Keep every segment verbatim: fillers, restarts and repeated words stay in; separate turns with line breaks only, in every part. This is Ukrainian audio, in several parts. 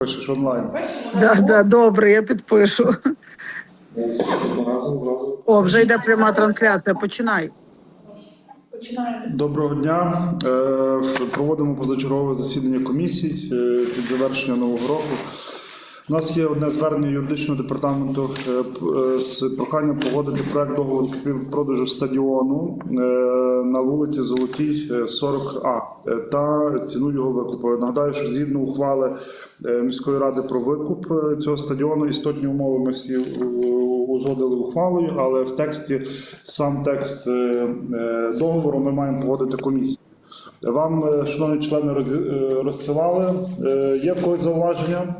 Пишеш онлайн.
Да, да, добре, я підпишу. О, вже йде пряма трансляція. Починай.
Доброго дня. Е, Проводимо позачергове засідання комісій е, під завершення нового року. У нас є одне звернення юридичного департаменту е, е, з проханням погодити проект договору купівлі-продажу стадіону е, на вулиці Золотій, сорок А е, та ціну його викупу. Нагадаю, що згідно ухвали е, міської ради про викуп е, цього стадіону, істотні умови ми всі е, узгодили ухвалою, але в тексті, сам текст е, е, договору ми маємо погодити комісію. Вам, е, шановні члени, роз, е, розсилали. Е, є в когось зауваження?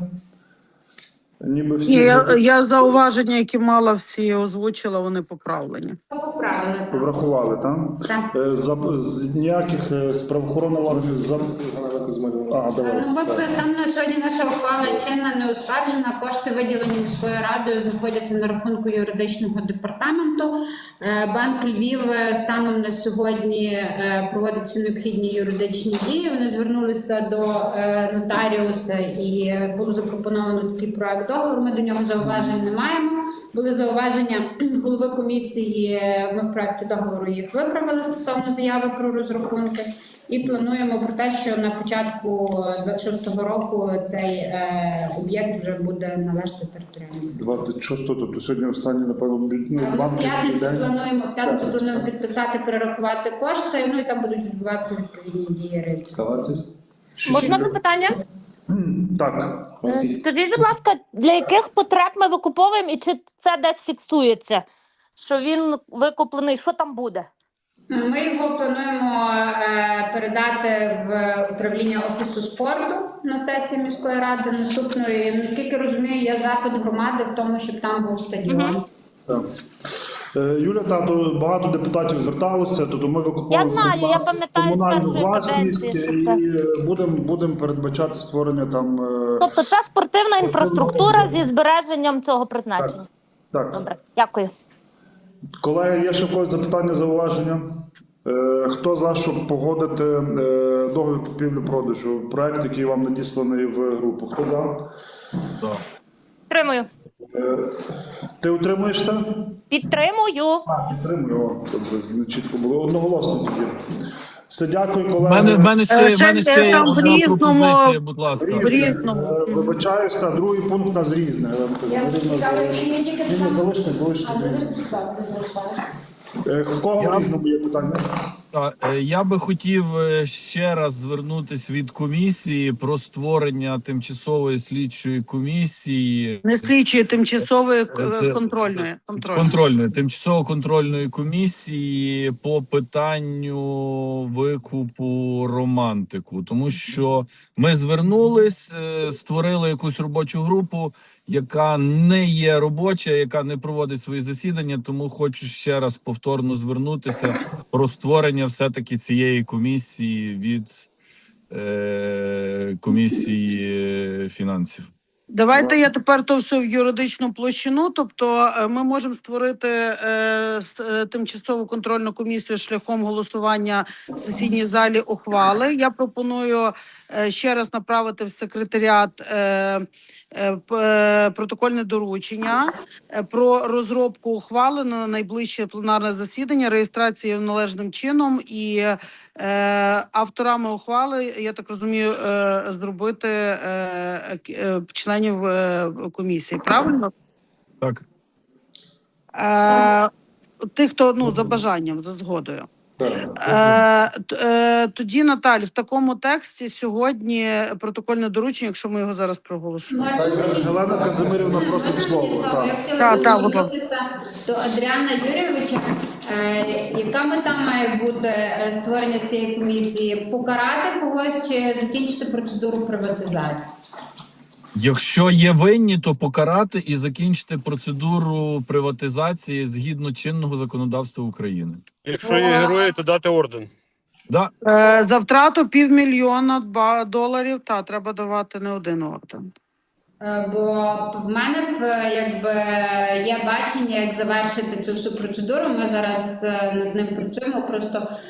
Ніби всі
Ні, я, я зауваження, які мала, всі озвучила, вони поправлені.
Поправили.
Врахували, так?
Так.
Е, За, з ніяких е, з правоохоронних органів за... А, давай.
Ну, бо саме на сьогодні наша ухвала чинна, не ускладжена. Кошти, виділені міською радою, знаходяться на рахунку юридичного департаменту. Е, Банк Львів станом на сьогодні е, проводить всі необхідні юридичні дії. Вони звернулися до е, нотаріуса і було запропоновано такий проект договору. Ми до нього зауважень не маємо. Були зауваження голови комісії, ми в проекті договору їх виправили стосовно заяви про розрахунки. І плануємо про те, що на початку двадцять шостого року цей е, об'єкт вже буде належати територіальній.
двадцять шостого, тобто сьогодні останній, напевно, ну,
В
банківський
п'ятницю
день.
плануємо, в п'ятницю плануємо підписати, перерахувати кошти, ну і там будуть відбуватися відповідні дії реєстрації.
Можна запитання?
Так.
Скажіть, будь ласка, для яких потреб ми викуповуємо і чи це десь фіксується, що він викуплений, що там буде?
Ми його плануємо е, передати в управління Офісу спорту на сесії міської ради наступної. Наскільки розумію, є запит громади в тому, щоб там був стадіон.
Угу.
Так. Е, Юля, тато, багато депутатів зверталося, тобто ми викупуємо
Я знаю, я пам'ятаю з
комунальну
першої
власність
каденції,
і будемо будем передбачати створення там... е,
Тобто це спортивна інфраструктура зі збереженням цього призначення?
Так.
Добре, дякую.
Колеги, є ще в когось запитання, зауваження? Е, Хто за, щоб погодити е, договір купівлі-продажу? Проект, який вам надісланий в групу. Хто за?
Підтримую.
Е, Ти утримуєшся?
Підтримую.
Підтримую. О, добре, не чітко було. Одноголосно тоді. Все, дякую,
У
колеги.
мене, в мене ще,
Ще
в мене ще є
там в
одна
різному-
пропозиція, будь ласка.
Різне.
В різному.
Е, Вибачаюсь, та другий пункт у нас різне. Ленка Замирівна, залишитись. Ні, ні, залишитись, залишитись. Е, В кого в різному є питання?
Та, е, Я би хотів е, ще раз звернутися від комісії про створення тимчасової слідчої комісії.
Не слідчої, тимчасової к-
Це-
контрольної. контрольної.
Контрольної, тимчасово-контрольної комісії по питанню викупу романтику. Тому що ми звернулись, е, створили якусь робочу групу, яка не є робоча, яка не проводить свої засідання, тому хочу ще раз повторно звернутися про створення все-таки цієї комісії від е, комісії фінансів.
Давайте я тепер то все в юридичну площину. Тобто е, ми можемо створити е, с- е, тимчасову контрольну комісію шляхом голосування в сесійній залі ухвали. Я пропоную е, ще раз направити в секретаріат е, е, п- е, протокольне доручення е, про розробку ухвали на найближче пленарне засідання, реєстрацію належним чином і е, авторами ухвали, я так розумію, е, зробити е, к- е, членів е, комісії. Правильно?
Так.
Е, Тих, хто ну за бажанням, за згодою. Е, т- е, тоді, Наталь, в такому тексті сьогодні протокольне доручення, якщо ми його зараз проголосуємо.
Гелена Казимирівна просить слово. Так.
Я
Так,
хотіла
так, будь
звернутися до Адріана Юрійовича. Е, Яка мета має бути е, створення цієї комісії? Покарати когось чи закінчити процедуру приватизації?
Якщо є винні, то покарати і закінчити процедуру приватизації згідно чинного законодавства України.
Якщо є герої, то дати орден.
Да,
Е, за втрату півмільйона ба- доларів, та треба давати не один орден.
Е, Бо в мене б, е, якби є бачення, як завершити цю всю процедуру. Ми зараз е, над ним працюємо. Просто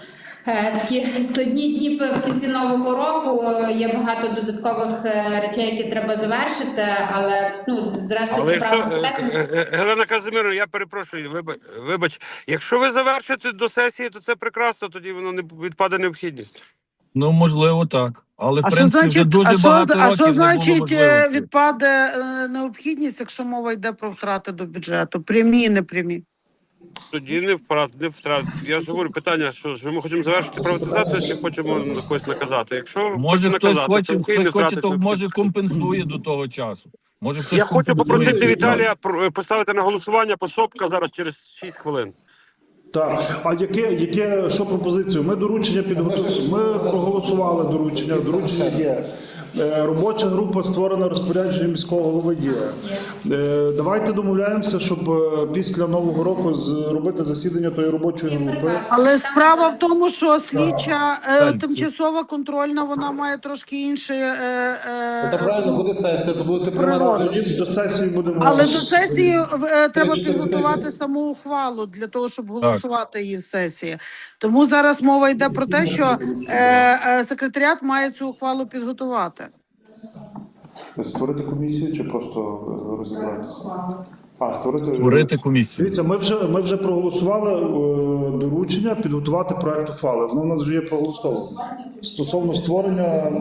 е, такі складні дні в кінці нового року. Є багато додаткових е, речей, які треба завершити, але ну зрештою
Але
це
якщо,
право
е,
комітету.
е, е, Гелена Казимирівна, я перепрошую, вибач, вибач, якщо ви завершите до сесії, то це прекрасно, тоді воно не відпаде необхідність.
Ну, можливо, так. Але, в
А що
принципі, вже
значить,
дуже
а що,
багато
а що
років не було
значить е,
можливості.
відпаде е, необхідність, якщо мова йде про втрати до бюджету? Прямі і непрямі.
Тоді не втрат, не втрат. Я ж говорю, питання, що ж ми хочемо завершити приватизацію, чи хочемо когось наказати. Якщо
Може,
хочемо
хтось
наказати,
хоче,
то окей,
хтось
не
хоче,
втратить
то може
необхідності.
компенсує до того часу. Може, хтось
Я хочу
компенсує
попросити
ці
Віталія про- поставити на голосування пособка зараз через шість хвилин.
Так, а яке, яке що пропозицію? Ми доручення підготували. Ми проголосували доручення. Доручення є. Е, Робоча група створена, розпорядження міського голови є. Е, Давайте домовляємося, щоб е, після Нового року зробити засідання тої робочої групи.
Але справа в тому, що слідча е,
Так.
тимчасова контрольна, вона має трошки інше. Е, е,
Це правильно, буде сесія, то будете приймати.
Природа.
Тоді до сесії будемо.
Але до сесії е, треба
Рішення
підготувати
сесії.
саму ухвалу для того, щоб голосувати її в сесії. Тому зараз мова йде про те, що е, е, секретаріат має цю ухвалу підготувати.
Створити комісію чи просто е, розібратися? А, створити,
Створити комісію.
Дивіться, ми вже, ми вже проголосували е, доручення підготувати проект ухвали. Воно у нас вже є проголосовано. Стосовно створення.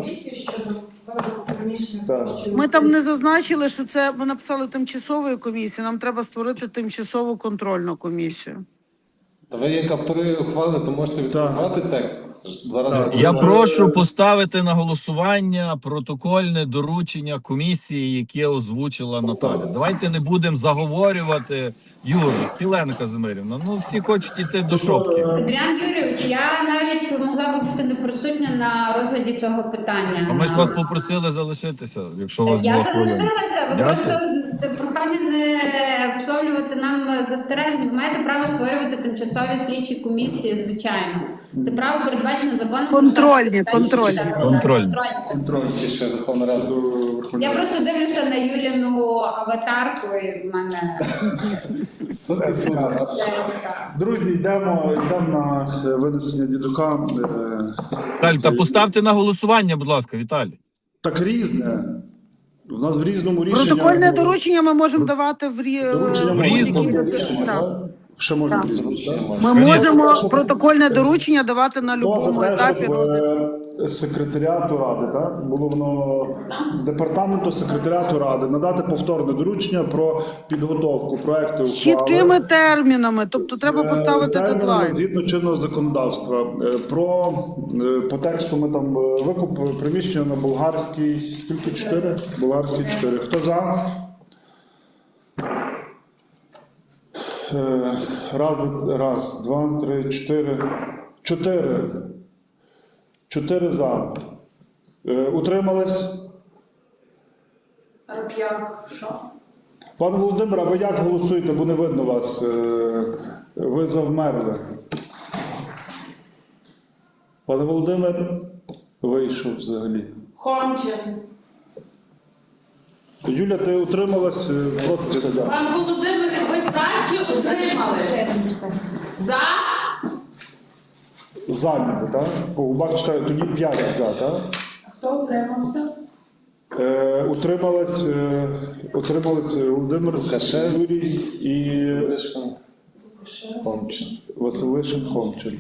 Так.
Ми там не зазначили, що це ми написали тимчасової комісії. Нам треба створити тимчасову контрольну комісію.
Та ви як автори ухвали, то можете відкривати текст. Це ж Два рази.
Я прошу поставити на голосування протокольне доручення комісії, яке озвучила Наталя. Давайте не будемо заговорювати. Юрій, Єлена Казимирівна, ну всі хочуть йти до шопки.
Адріан Юрійович, я навіть могла би бути не присутня на розгляді цього питання.
А ми ж вас попросили залишитися, якщо у вас
Я
була хвилина.
залишилася, ви
Дякую.
просто це прохання не висловлювати нам застережень. Ви маєте право створювати тимчасові слідчі комісії, звичайно. Це право передбачено законом.
Контрольні, контрольні.
Контрольні.
Контроль ще Верховна Рада.
Я просто дивлюся на Юліну аватарку і в мене
Друзі, йдемо, йдемо на е, винесення дідука. Е,
Віталій, та поставте на голосування, будь ласка, Віталій.
Так різне. У нас в різному рішенні.
Протокольне доручення ми можемо давати в, рі...
Доручення
в
в різному.
будь-якій- Так.
Ще можна
Так.
різне. так?
Ми
Конечно.
можемо протокольне доручення давати на
Хто за
будь-якому
те,
етапі
щоб
розгляду.
е, секретаріату ради, так? Було воно департаменту секретаріату ради надати повторне доручення про підготовку проекту
З чіткими термінами, тобто треба
Е,
поставити
термінами
дедлайн.
згідно чинного законодавства. Е, Про е, по тексту ми там е, викуп приміщення на болгарській. Скільки? Чотири? Болгарській чотири. Хто за? Е, Раз, два- раз, два, три, чотири. Чотири. Чотири за. Е, Утримались? Пане Володимире, а ви як голосуєте, бо не видно вас? Е, Ви завмерли. Пане Володимир вийшов взагалі.
Хомчин.
Юля, ти утрималась е, проти сказати?
Пан Володимир, ви за чи утримали? За?
За ніби, так? По губах читаю, тоді п'ять за, так?
Хто утримався?
Е, утрималась, е, утрималась Володимир
Лукашевський.
Юрій і
Вишен.
Хомчин. Василишин Хомчин.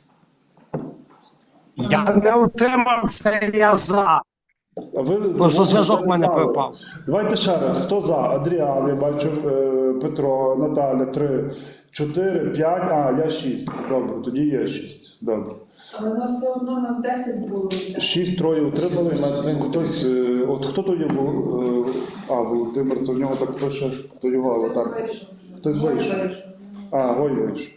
Я не утримався, я за.
А ви
Просто зв'язок в мене
знали.
пропав.
Давайте ще раз. Хто за? Адріан, я бачу, е, Петро, Наталя, три, чотири, п'ять, а, я шість. Добре, тоді є шість. Добре.
Але у нас все одно у нас десять було.
Шість, троє утримались. Хтось, е, от хто то є, Вол- е, а, Володимир, то в нього так пише, то його аватар. Хтось вийшов. А, Гой вийшов.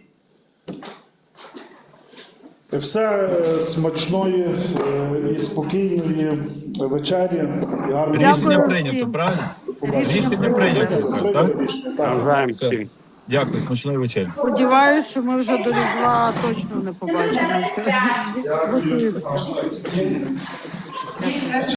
Все е, смачної е, і спокійної вечері. І гарної
Рішення
Дякую
прийнято,
всім.
правильно?
Рішення
Рішення прийнято,
Прийняли
так?
рішення, так.
Навзаєм
Все.
всім.
Дякую, смачної вечері.
Сподіваюсь, що ми вже до Різдва точно не побачимося.
Дякую.
Готуємося.